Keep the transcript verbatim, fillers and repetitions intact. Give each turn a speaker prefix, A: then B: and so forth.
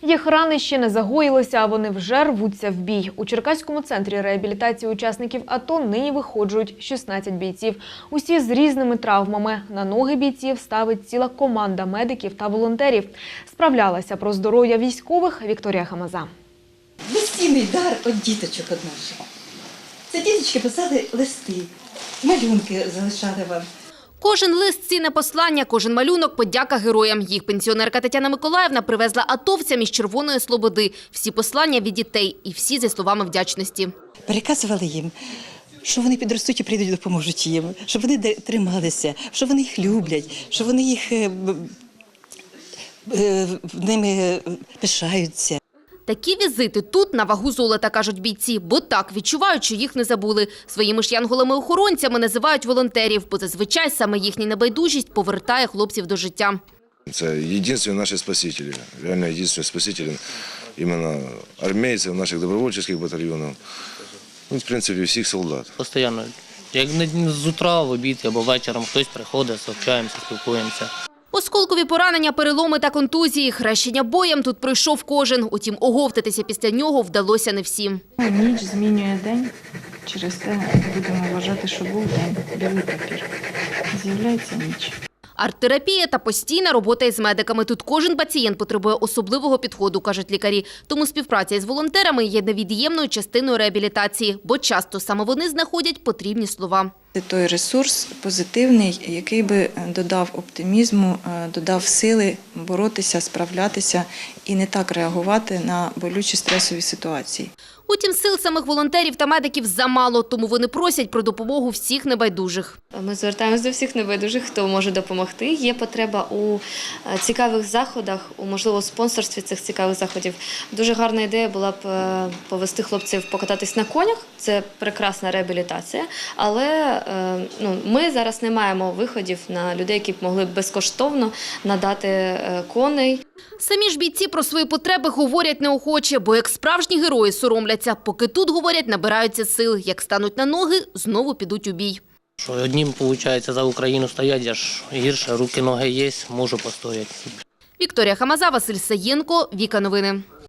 A: Їх рани ще не загоїлися, а вони вже рвуться в бій. У Черкаському центрі реабілітації учасників АТО нині виходжують шістнадцять бійців. Усі з різними травмами. На ноги бійців ставить ціла команда медиків та волонтерів. Справлялася про здоров'я військових Вікторія Хамаза.
B: Безцінний дар від діточок від наших. Це діточки писали листи, малюнки залишали вам.
C: Кожен лист – цінне послання, кожен малюнок – подяка героям. Їх пенсіонерка Тетяна Миколаївна привезла атовцям із Червоної Слободи. Всі послання від дітей і всі зі словами вдячності.
B: Переказували їм, що вони підростуть і прийдуть, допоможуть їм, щоб вони трималися, що вони їх люблять, що вони їх е, е, ними пишаються.
C: Такі візити тут на вагу золота, кажуть бійці, бо так відчувають, що їх не забули. Своїми ж янголами-охоронцями називають волонтерів, бо зазвичай саме їхня небайдужість повертає хлопців до життя.
D: Це єдині наші спасителі, реально єдині спасителі, іменно армійців, наших добровольчих батальйонів, ну, в принципі, всіх солдат.
E: Постійно, як не з утра, в обід або вечором хтось приходить, сообщаємося, спілкуємося.
C: Осколкові поранення, переломи та контузії. Хрещення боєм тут пройшов кожен. Утім, оговтатися після нього вдалося не всім.
F: Ніч змінює день. Через те будемо вважати, що був день. Білий папір. З'являється ніч.
C: Арт-терапія та постійна робота із медиками. Тут кожен пацієнт потребує особливого підходу, кажуть лікарі. Тому співпраця із волонтерами є невід'ємною частиною реабілітації, бо часто саме вони знаходять потрібні слова.
G: Це той ресурс позитивний, який би додав оптимізму, додав сили боротися, справлятися і не так реагувати на болючі стресові ситуації.
C: Утім, сил самих волонтерів та медиків замало, тому вони просять про допомогу всіх небайдужих.
H: Ми звертаємося до всіх небайдужих, хто може допомогти. Є потреба у цікавих заходах, у, можливо, спонсорстві цих цікавих заходів. Дуже гарна ідея була б повести хлопців покататись на конях. Це прекрасна реабілітація, але ну, ми зараз не маємо виходів на людей, які б могли б безкоштовно надати коней.
C: Самі ж бійці про свої потреби говорять неохоче, бо як справжні герої соромляться. Поки тут, говорять, набираються сил. Як стануть на ноги, знову підуть у бій.
E: Що одним, виходить, за Україну стоять, я ж гірше, руки, ноги є, можу постояти.
C: Вікторія Хамаза, Василь Саєнко, Віка Новини.